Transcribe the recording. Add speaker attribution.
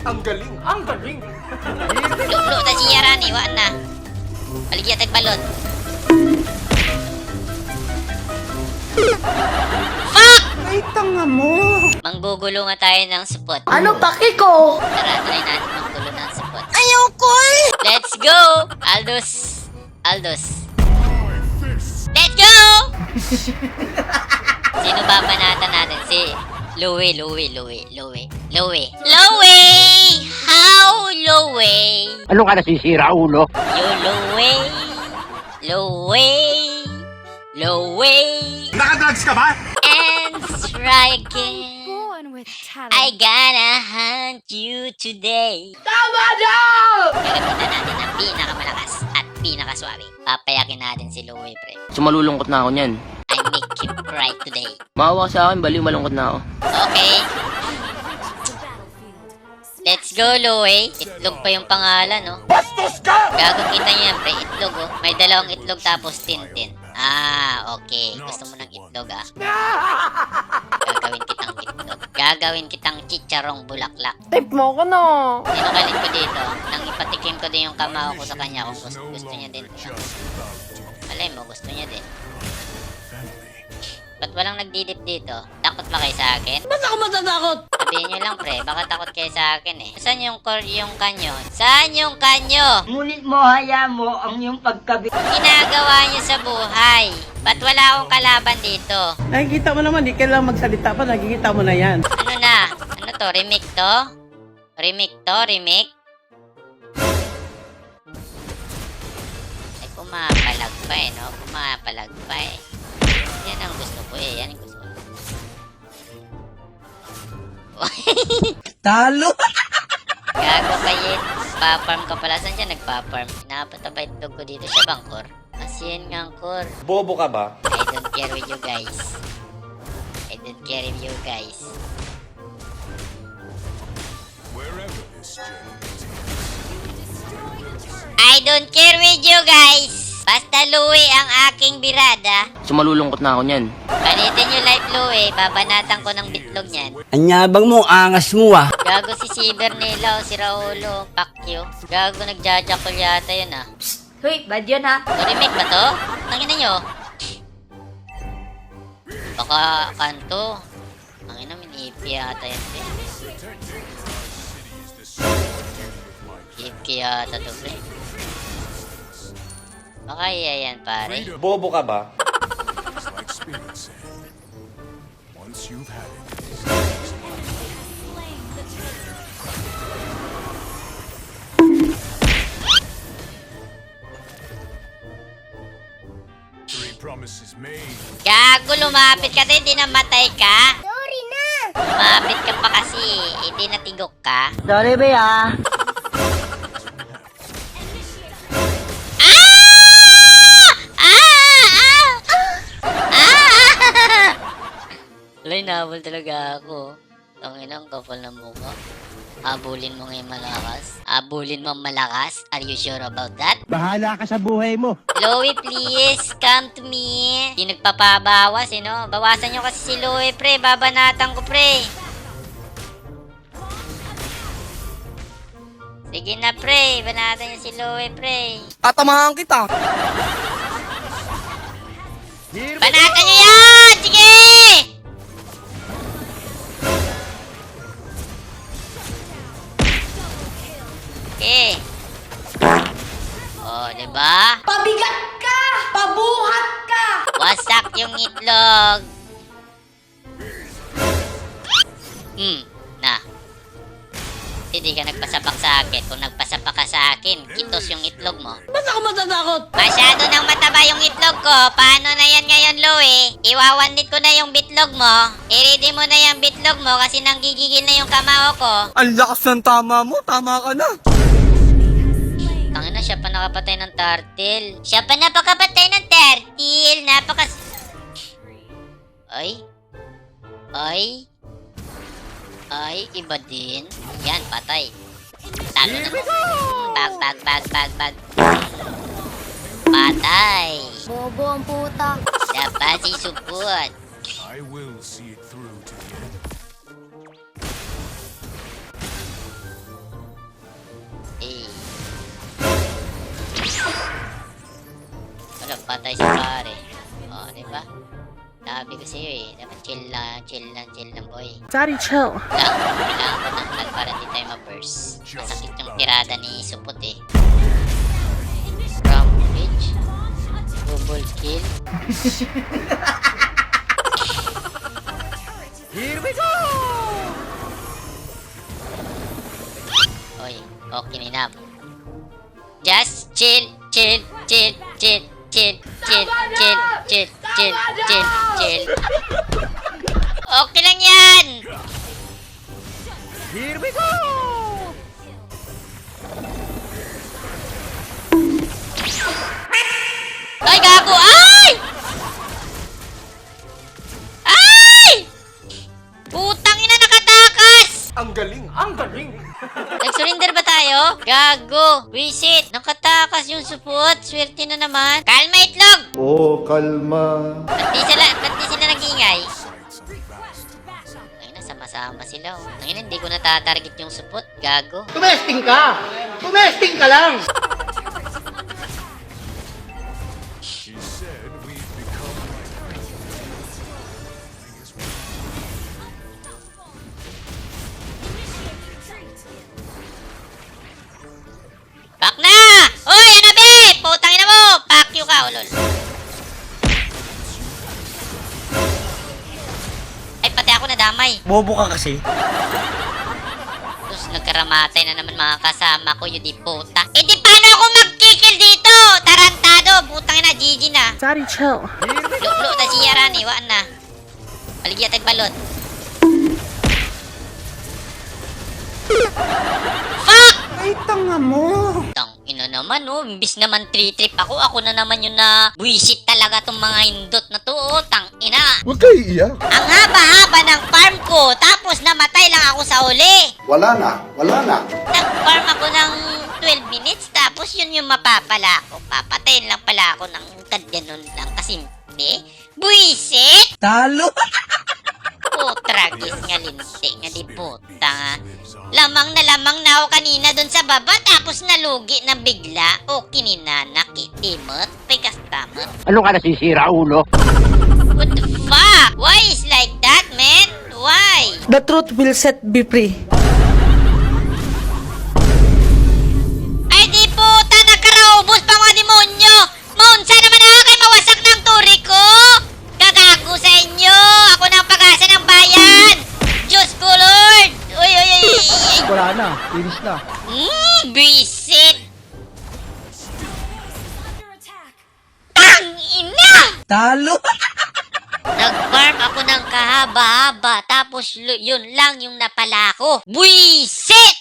Speaker 1: Ang galing! Ang galing!
Speaker 2: Luklo na si Yarani, wala na. Paligya tagbalot. Fuck!
Speaker 3: Ay, tanga mo!
Speaker 2: Manggugulo nga tayo ng spot.
Speaker 3: Ano paki ko?
Speaker 2: Tara, try natin manggulo ng spot.
Speaker 3: Ayoko eh!
Speaker 2: Let's go! Aldos! Aldos! Let's go! Sino ba panatan natin? Si Louie. How Louie?
Speaker 4: Ano ka nasisira, ulo?
Speaker 2: You Louie.
Speaker 1: Nakadrugs ka ba?
Speaker 2: And try again.
Speaker 5: Born with talent.
Speaker 2: I gonna hunt you today.
Speaker 3: Tama na!
Speaker 2: Gagamitan natin ang pinakamalakas at pinakaswabe. Papayakin natin si Louie, pre.
Speaker 4: Sumalulungkot na ako niyan.
Speaker 2: I make you cry today.
Speaker 4: Maawa ka sa akin, baliw malungkot na ako.
Speaker 2: Okay. Let's go, Louie. Itlog pa yung pangalan, no?
Speaker 1: Bastos ka!
Speaker 2: Gago kita niyo yan, pre. Itlog, oh. May dalawang itlog tapos tintin. Ah, okay. Gusto mo ng itlog, ah. Gagawin kitang itlog. Gagawin kitang chicharong bulaklak.
Speaker 3: Tip mo ko no!
Speaker 2: Sinukalin ko dito. Nang ipatikim ko din yung kamao ko sa kanya kung gusto niya din. Malay mo, gusto niya din. Ba't walang nagdidip dito? Takot ba kayo sa akin?
Speaker 3: Ba't ako matatakot?
Speaker 2: Sabihin nyo lang, pre. Baka takot kayo sa akin, eh. Saan yung kanyo? Saan yung kanyo?
Speaker 3: Ngunit mo, haya mo ang iyong pagkabi.
Speaker 2: Ang ginagawa nyo sa buhay? Ba't wala akong kalaban dito?
Speaker 6: Nakikita mo naman, di kailangan magsalita pa, nakikita mo na yan.
Speaker 2: Ano na? Ano to? Remake to? Remake? Ay, pumapalag pa eh, no? Pumapalag pa eh. Yan ang gusto ko eh. Yan ang gusto ko.
Speaker 6: Talo!
Speaker 2: Gago kayo. Pa-farm ka pala. Saan siya nagpa-farm? Napataba itlog ko dito sa bangkor. Asin nga ang core.
Speaker 1: Bobo ka ba?
Speaker 2: I don't care with you guys. I don't care with you guys. I don't care with you guys. Basta Louie ang aking birada.
Speaker 4: Sumalulungkot na ako niyan.
Speaker 2: Palitin nyo live Louie. Babanatan ko ng bitlog niyan.
Speaker 6: Anyabang mo, angas mo ah.
Speaker 2: Gago si Ciber nila o si Raulo. Pakyo. Gago nagjajakol yata yun ah.
Speaker 3: Hoy, bad yun ha?
Speaker 2: Remake ba to? Tangina nyo. Baka kanto. Tangina, mini-IP yata yan. IP yata to, pre. Baka iya yan, pare.
Speaker 1: Bobo ka ba?
Speaker 2: Gago, lumapit ka din, di namatay ka. Sorry na. Lumapit ka pa kasi, hindi natigok ka.
Speaker 3: Sorry ba ya?
Speaker 2: Alay, nahabol talaga ako. Tanginang kapal na mukha. Habulin mo ngayon malakas? Habulin mo malakas? Are you sure about that?
Speaker 6: Bahala ka sa buhay mo.
Speaker 2: Louie, please, come to me. Di nagpapabawas, eh, no? Bawasan nyo kasi si Louie, pre. Babanatan ko, pre. Sige na, pre. Banatan nyo si Louie, pre.
Speaker 6: Tatamahan kita.
Speaker 2: Banatan nyo yan! Sige! Okay. Oh, diba?
Speaker 3: Pabigat ka! Pabuhat ka!
Speaker 2: Wasak yung itlog. Na. Hindi ka nagpasapak sa akin. Kung nagpasapak ka sa akin, kitos yung itlog mo.
Speaker 3: Ba't ako matatakot?
Speaker 2: Masyado nang mataba yung itlog ko. Paano na yan ngayon, Louie? Iwawanit ko na yung bitlog mo. I-ready mo na yung bitlog mo kasi nanggigigil na yung kamao ko.
Speaker 6: Ang lakas ng tama mo, tama ka na.
Speaker 2: Tangina, siya pa nakapatay ng turtle. Siya pa napakapatay ng turtle. Ay, iba din. Yan, patay. Talo na. Bag. Patay.
Speaker 5: Bobo ang puta.
Speaker 2: Dapat si support.
Speaker 7: I will see it through to the end.
Speaker 2: patay sa pare. O, diba? Sabi ko sa'yo eh. Dapat chill lang, boy.
Speaker 6: Daddy, chill.
Speaker 2: Kailangan ko ng lag para di tayo ma-burst. Masakit yung tirada ni Supot eh. Rampage. Double kill.
Speaker 1: Here we go!
Speaker 2: Oy, okay na. Just chill. Okay lang yan!
Speaker 1: Here we go!
Speaker 2: Ay, gago! Ay! Ay! Putang ina, nakatakas!
Speaker 1: Ang galing! Ang galing!
Speaker 2: Nag-surrender ba tayo? Gago! Wisit! Nakatakas yung support. Swerte na naman. Kalma, itlog!
Speaker 7: Oh, kalma.
Speaker 2: Ba't di sila nag-iingay? Ay na, sama-sama sila oh. Ay na, hindi ko natatarget yung support. Gago.
Speaker 6: Tumesting ka! Tumesting ka lang!
Speaker 2: Back na! Uy, Anabe! Putang ina mo! Fuck you ka, ulol. Ay, pati ako nadamay.
Speaker 6: Bobo ka kasi.
Speaker 2: Tapos nagkaramatay na naman mga kasama ko, yun di puta. Eh di paano ako magkikil dito? Tarantado! Putang ina, GG na.
Speaker 6: Daddy, chill.
Speaker 2: Luklo na si Yarani, waan na. Paligya tagbalot. Fuck!
Speaker 6: Ay, tanga mo.
Speaker 2: Tang ina naman oh, imbis naman 3-trip ako na naman yung na buwisit talaga tong mga hindot na to oh, tang ina.
Speaker 7: Huwag kayo iiyak.
Speaker 2: Ang haba-haba ng farm ko, tapos namatay lang ako sa uli.
Speaker 7: Wala na.
Speaker 2: Nag-farm ako ng 12 minutes, tapos yun yung mapapala ko. Papatayin lang pala ako ng ganun lang kasimple. Buwisit!
Speaker 6: Talo.
Speaker 2: Oh, tragis nga linti nga di puta nga. Lamang na ako kanina dun sa baba, tapos nalugi na bigla. O kininanakitimot, pagkastamot.
Speaker 4: Ano ka nasisira, ulo?
Speaker 2: What the fuck? Why is like that, man? Why?
Speaker 6: The truth will set be free.
Speaker 2: Ay di puta, nagkaraubos pa mga demonyo! Maunsa naman na kay mawasak ng turi ko! Gagago sa inyo! Ako na ang pag-asa ng bayan! Diyos ko, Lord! Uy!
Speaker 6: Wala na. Finish na.
Speaker 2: Bisit! Tang ina!
Speaker 6: Talo.
Speaker 2: Nag-farm ako ng kahaba-haba, tapos yun lang yung napala ko. Buisit!